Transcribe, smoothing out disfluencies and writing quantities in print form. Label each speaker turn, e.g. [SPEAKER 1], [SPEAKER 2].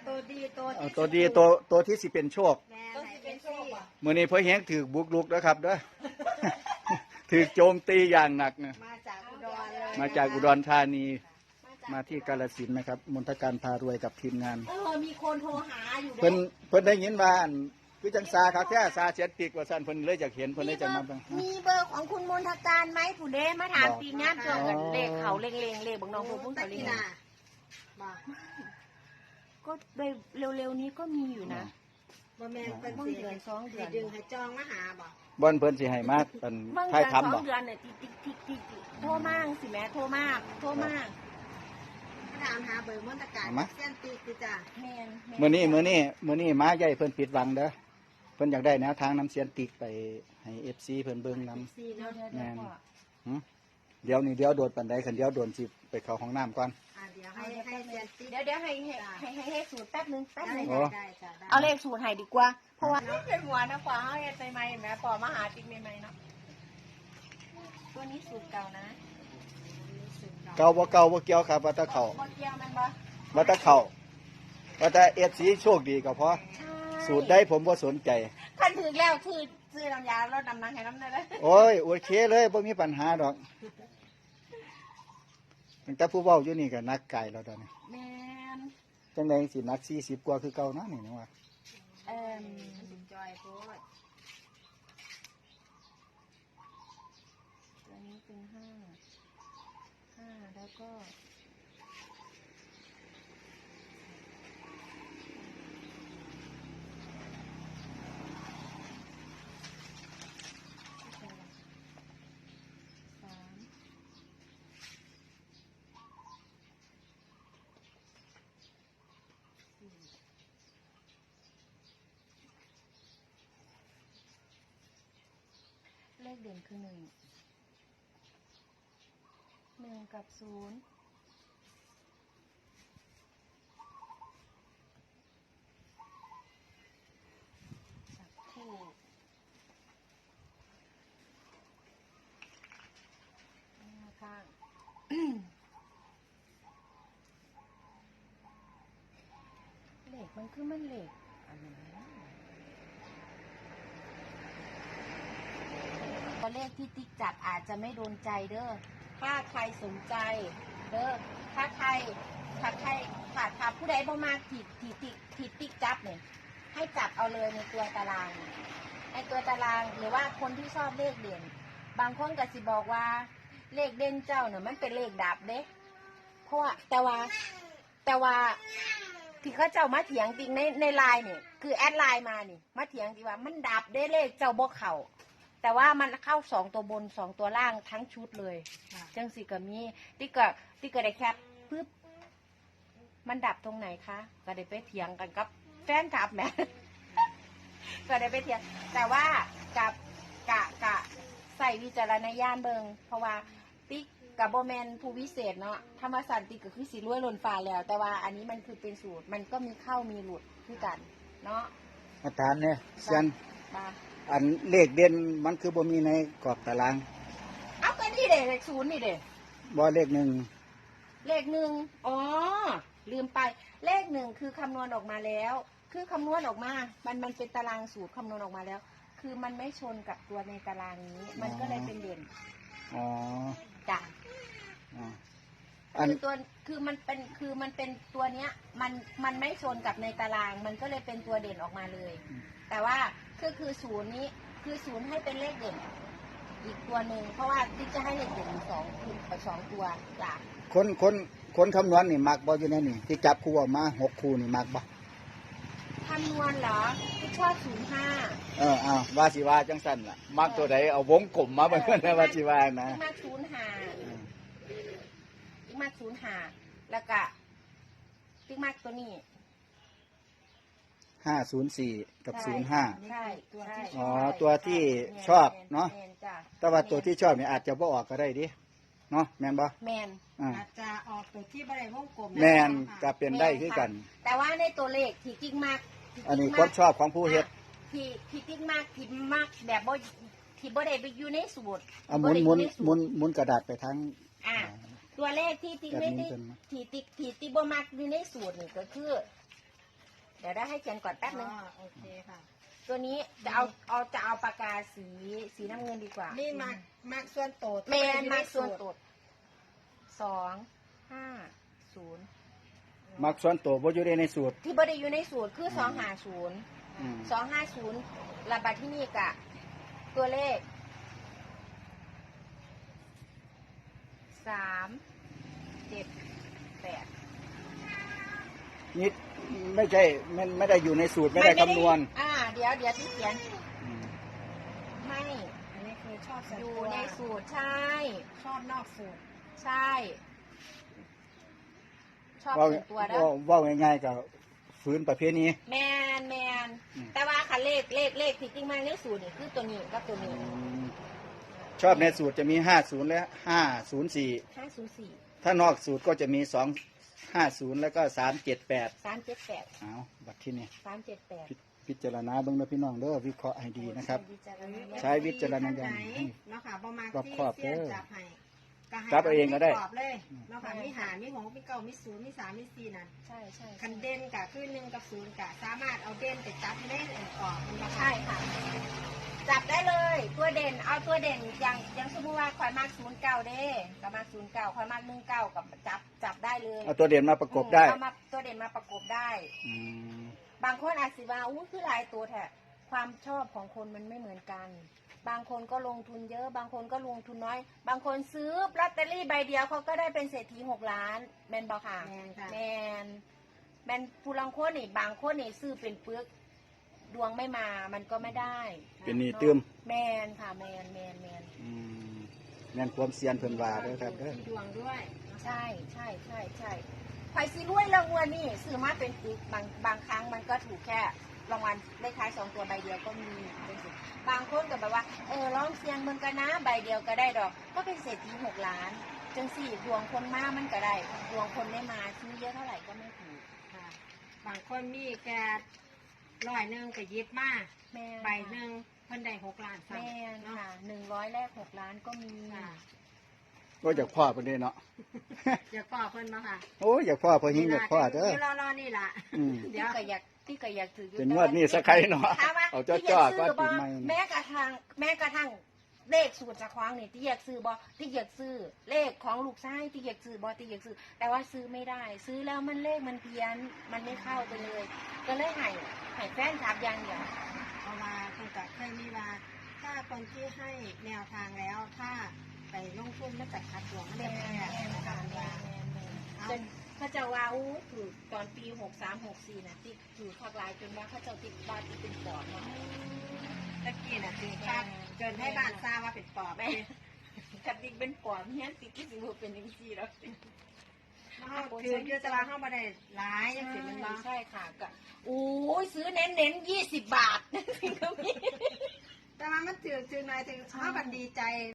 [SPEAKER 1] ตัวดี
[SPEAKER 2] ตัวที่สิเป็นโชค
[SPEAKER 1] ตัวที่เป็นโชค
[SPEAKER 2] มื้อนี้พ่อแฮงถือบุกลุกแล้วครับเด้อ ถือโจมตีอย่างหนักนะ
[SPEAKER 1] มาจากอุดรเลย
[SPEAKER 2] มาจากอุดรธานีมาที่กาฬสินธุ์นะครับมนทการพารวยกับทีมงาน
[SPEAKER 1] มีคนโทรหาอยู่
[SPEAKER 2] เพิ่นได้ยินว่าอันคือจังซาครับแท้ซาเสียติกว่าซั่นเพิ่นเลยอยากเห็นเพิ่นเลยจะมาบ้าง
[SPEAKER 1] มีเบอร์ของคุณมนทการไหมผู้เด้มาถามปีงานเกี่ยวกับเลขเขาเลงเลขบางน้องผู้พุ่งเขาเลงก็เร็วๆนี้ก็มีอยู่นะบ่แม่นเป็นเดือน2 เดือนดึงให้จองมาหาบ่
[SPEAKER 2] บ่อนเพิ่นสิให้มาเป็นท้ายทำบ่
[SPEAKER 1] 2 เดือนเนี่ยติ๊กโทรมากสิแม่โทรมากถามหาเบอร์มนตการเส้นตีคือจ้ะ
[SPEAKER 2] มื้อนี้มาใหญ่เพิ่นปิดหวังเด้อเพิ่นอยากได้แนวทางน้ำเสียนติกไปให้ FC เพิ่นเบิ่งนำแม่นเดี๋ยวโดดปานใดคันเดี๋ยวโดนสิไปเข้าห้องน้ำก่อน
[SPEAKER 1] เดี๋ยวให้เดี๋ยวให้สูตรแป๊บนึง
[SPEAKER 2] ได้
[SPEAKER 1] เอาเลขสูตรให้ดีกว่าเพราะว่าเป็นหัวนะกว่าเฮาเฮ็ดใหม่ๆแม่ปอมาหาจริงใหม่ๆเนาะตัวนี้สูตรเก่านะ
[SPEAKER 2] เก่าบ่เกี่ยวครับว่าแตะเข้า
[SPEAKER 1] บ่เกี่ยวมันบ่
[SPEAKER 2] ว่าแตะเข้าว่าแต่ FC โชคดีก็พอสูตรได้ผมบ่สนใจ
[SPEAKER 1] คันถึงแล้วคือซื้อน้ำยาลดน้ำหนักให้น้ำได้เลย
[SPEAKER 2] โอ้ยโอเคเลยบ่มีปัญหาดอกตั้งแต่ผู้เว้าอยู่นี่ก็นักไก่แล้วตอนนี้
[SPEAKER 1] แม่น
[SPEAKER 2] จังได๋สินัก40กว่าคือเก่านะนี่นะว่า
[SPEAKER 1] จอยโพดตัวนี้เป็น5แล้วก็เลขเด่นคือ1กับ0จับคู่ข้างเลขมันคือมันเลขอันนี้ตัวเลขที่ติ๊กจับอาจจะไม่โดนใจเด้อถ้าใครสนใจเด้อถ้าผู้ใดบ่มาที่ติ๊กจับเนี่ยให้จับเอาเลยในตัวตารางในตัวตารางหรือว่าคนที่ชอบเลขเด่นบางคนก็สิบอกว่าเลขเด่นเจ้าเนี่ยมันเป็นเลขดับเด้เพราะว่าแต่ว่าที่เขาเจ้ามาเถียงจริงในไลน์เนี่ยคือแอดไลน์มานี่มาเถียงจริงว่ามันดับได้เลขเจ้าบ่เข่าแต่ว่ามันเข้า2 ตัวบน2 ตัวล่างทั้งชุดเลยจังสิก็มีติ๊กก็ได้แคปปึ๊บมันดับตรงไหนคะก็ได้ไปเถียงกันกับแฟนคลับแม่ ก็ได้ไปเถียงแต่ว่ากับกะใส่วิจารณญาณเบิงเพราะว่าติ๊กกับโบแมนผู้วิเศษเนาะธรรมศาสตร์ติ๊กก็คือสีรวยล้นฟ้าแล้วแต่ว่าอันนี้มันคือเป็นสูตรมันก็มีเข้ามีหลุดคือกันเนาะ
[SPEAKER 2] อาจารย์เนี่ยเซียน
[SPEAKER 1] มา
[SPEAKER 2] อันเลขเด่นมันคือบ่มีในกรอบตาราง
[SPEAKER 1] เอาก็นี่เด็เลข0นี่เด็
[SPEAKER 2] บ่เลข1
[SPEAKER 1] เลข1อ๋อลืมไปเลข1คือคำนวณออกมาแล้วคือคำนวณออกมามันเป็นตารางสูตรคำนวณออกมาแล้วคือมันไม่ชนกับตัวในตารางนี้มันก็เลยเป็นเด่น
[SPEAKER 2] อ๋อ
[SPEAKER 1] จ้ะ
[SPEAKER 2] อัน
[SPEAKER 1] คือตัวคือมันเป็นตัวเนี้ยมันไม่ชนกับในตารางมันก็เลยเป็นตัวเด่นออกมาเลย แต่ว่าคือ0นี้คือ0ให้เป็นเลขเด่นอีกตัวหนึ่งเพราะว่าที่จะให้เลขเด่น2ตัวจ้ะ
[SPEAKER 2] คนคำนวณนี่มักบ่อยู่ในนี่ที่จับคู่ออกมา6คู่นี่มักบ่
[SPEAKER 1] คำนวณเหรอที่ชอบ05
[SPEAKER 2] ว่าสิว่าจังซั่นล่ะมักตัวใดเอาวงกลมมาเบิ่งกันว่าสิว่านะ
[SPEAKER 1] ที่มา05แล้วก็ที่มาตัวนี้
[SPEAKER 2] 504กับ05
[SPEAKER 1] ใช่
[SPEAKER 2] ตัวที่ชอบเนาะแต่ว่าตัวที่ชอบเนี่ยอาจจะบ่ออกก็ได้ดิเนาะแม่นบ่
[SPEAKER 1] แม่น
[SPEAKER 3] อาจจะออกตัวที่บ่ได้วงกลม
[SPEAKER 2] แม่นก็เป็นได้คือกัน
[SPEAKER 1] แต่ว่าในตัวเลขที่ติ๊กมาก
[SPEAKER 2] อันนี้ความชอบของผู้เฮ็ด
[SPEAKER 1] ที่ติ๊กมากที่มากแบบบ่ที่บ่ได้ไปอยู่ในสูตร
[SPEAKER 2] หมุนกระดาษไปทาง
[SPEAKER 1] ตัวเลขที่ติ๊กไม่ได้ที่ติ๊กบ่มากอยู่ในสูตรนี่ก็คือเดี๋ยวได้ให้เขียนก่อนแป๊บนึง
[SPEAKER 3] อ๋อโอเคค่ะ
[SPEAKER 1] ตัวนี้จะเอาปากกาสีน้ำเงินดีกว่า
[SPEAKER 3] นี่มากส่วนโต
[SPEAKER 1] แมนมากส่วนตด250
[SPEAKER 2] มักส่วนตัวบ่อยู่ในสูตร
[SPEAKER 1] ที่บริอยู่ในสูตรคือ250
[SPEAKER 2] อืม
[SPEAKER 1] 250ระบาดที่นี่กะตัวเลข378
[SPEAKER 2] นี่ไม่ใช่ไม่ได้อยู่ในสูตรไม่ได้คำนวณ
[SPEAKER 1] เดี๋ยวที่เขียน
[SPEAKER 2] อืม
[SPEAKER 1] ให้
[SPEAKER 3] อันนี้คือชอบส่วน
[SPEAKER 1] อยู่
[SPEAKER 3] ตัว
[SPEAKER 1] ในสูตรใช่
[SPEAKER 3] ชอบนอกสูตร
[SPEAKER 1] ใช่ ชอบ
[SPEAKER 2] เว่า
[SPEAKER 1] ส่วนตัวเด้อ
[SPEAKER 2] ว่าง่ายๆกับฝืนประเภทนี้
[SPEAKER 1] แมน
[SPEAKER 2] อืม
[SPEAKER 1] แต่ว่าค่ะเลขที่จริงมาในสูตรนี่คือตัวนี้กับตัวนี้
[SPEAKER 2] ชอบในสูตรจะมี50และ504
[SPEAKER 1] 504
[SPEAKER 2] ถ้านอกสูตรก็จะมี250แล้วก็378
[SPEAKER 1] 378
[SPEAKER 2] เอาบัตรที่นี่
[SPEAKER 1] 378
[SPEAKER 2] พิจารณาเบิ่งนะพี่น้องเด้อวิเคราะห์ให้ดีนะครับ ใช้วิจารณญาณ
[SPEAKER 3] เนาะค่ะประมาณ
[SPEAKER 2] รอบ
[SPEAKER 3] ที่
[SPEAKER 2] ครอบ
[SPEAKER 3] เสี้ยน
[SPEAKER 2] เด้อ
[SPEAKER 3] จับให้ให้
[SPEAKER 2] จับเอาเองก็ได้
[SPEAKER 3] กรอบเลยเนาะค่ะมีหามีหงมีเก่ามีศูนย์มีสามมีสี่นั่น
[SPEAKER 1] ใช่ใช่
[SPEAKER 3] คันเด่นกะคือ1กับ0กะสามารถเอาเด่นไปจับให้ได้กรอบมันบ่ค่ะ
[SPEAKER 1] ใช่ค่ะ จับได้เลย ตัวเด่น เอาตัวเด่นอย่างสมมติว่าข่อยมาก09เด้ก็มาก09ข่อยมาก19กับจับได้เลย
[SPEAKER 2] เอาตัวเด่นมาประกบได้
[SPEAKER 1] เอามาตัวเด่นมาประกบได้
[SPEAKER 2] อืม
[SPEAKER 1] บางคนอาจสิว่าอู้คือหลายตัวแท้ความชอบของคนมันไม่เหมือนกัน บางคนก็ลงทุนเยอะ บางคนก็ลงทุนน้อย บางคนซื้อลอตเตอรี่ใบเดียวเขาก็ได้เป็นเศรษฐี6 ล้านแมนบอกค่ะ
[SPEAKER 3] แม่นค่ะ
[SPEAKER 1] แมนผู้ลังคนนี่บางคนนี่ซื้อเป็นปึกดวงไม่มามันก็ไม่ได้
[SPEAKER 2] เป็นหนี่ตื้ม
[SPEAKER 1] แมนค่ะแมน
[SPEAKER 2] อืมแม่นความเซียนเพิ่นว่าเด้อครับเด้อ
[SPEAKER 3] ที่ดวงด้วย
[SPEAKER 1] ใช่ใครซื้อรวยรางวัลนี่ซื้อมาเป็นปึกบางครั้งมันก็ถูกแค่รางวัลเลขท้าย2 ตัวใบเดียวก็มีเป็นสิบางคนก็แบบว่าลองเสี่ยงเมืองกันนะใบเดียวก็ได้ดอก ก็เป็นเศรษฐี6 ล้านจังสี่ดวงคนมามันก็ได้ดวงคนไม่มาซื้อเยอะเท่าไหร่ก็ไม่ถูก
[SPEAKER 3] ค่ะบางคนมีแค่100ก็หยิบมา
[SPEAKER 1] แม่
[SPEAKER 3] ใบหนึ่งเพิ่นได้6 ล้าน
[SPEAKER 1] แม่
[SPEAKER 3] เนาะ
[SPEAKER 1] ค่ะ100แรก6 ล้านก็มี
[SPEAKER 3] ค่ะ
[SPEAKER 2] ก็อยากพ่อเพิ่นเด้เนาะ
[SPEAKER 3] อย่าก่อเพิ่นมาค่ะ
[SPEAKER 2] โอ้ยอยากพ่อเพิ่นหิงอยากพ่อเด้อ
[SPEAKER 3] ดี๋ยวรอนี่ล่ะ
[SPEAKER 2] อืม
[SPEAKER 3] เดี๋ยว
[SPEAKER 1] ที่ก็อยากถืออยู่
[SPEAKER 2] เป็นงวดนี้สักใครเนาะ
[SPEAKER 1] ถามว่า
[SPEAKER 2] เอาจ้อ
[SPEAKER 1] ที่อยาก
[SPEAKER 2] ๆ
[SPEAKER 1] ซื้
[SPEAKER 2] ก็
[SPEAKER 1] อบ่
[SPEAKER 2] ปีใหม่
[SPEAKER 1] แม้กระทั่งเลขสูตรจากควางนี่ที่อยากซื้อบ่ที่อยากซื้อเลขของลูกชายที่อยากซื้อบ่ที่อยากซื้อ แต่ว่าซื้อไม่ได้ ซื้อแล้วมันเลขมันเพี้ยนมันไม่เข้าไปเลย ก็เลยให้แฟนคลับอย่างเดียว
[SPEAKER 3] เพราะว่าเพิ่นก็เคยมีว่าถ้าคนที่ให้แนวทางแล้วถ้าไปลงทุนมันจะขาดดวงมันได้แพ้นะคะว่า
[SPEAKER 1] จนเขาจะว่าอู้ถือตอนปี63-64นะที่ถือคักหลายจนว่าเขาเจะติดบ้านที่เป็นปอดเนาะ
[SPEAKER 3] ตะกี้น่ะคือคาดจนให้บ้านทราบว่าเป็นปอบ
[SPEAKER 1] แม่กติกเป็นปอดเฮียนติดที่สิบ่เป็นจังซี่แล้ว
[SPEAKER 3] คือคือแต่ว่าเฮาบ่ได้หลายจังซี่มันบ่
[SPEAKER 1] ใช่ค่ะก็โอ้ยซื้อเน้น20 บาทก็มี
[SPEAKER 3] แต่ว่ามันถือหน่อยถึงเฮาบันดีใจ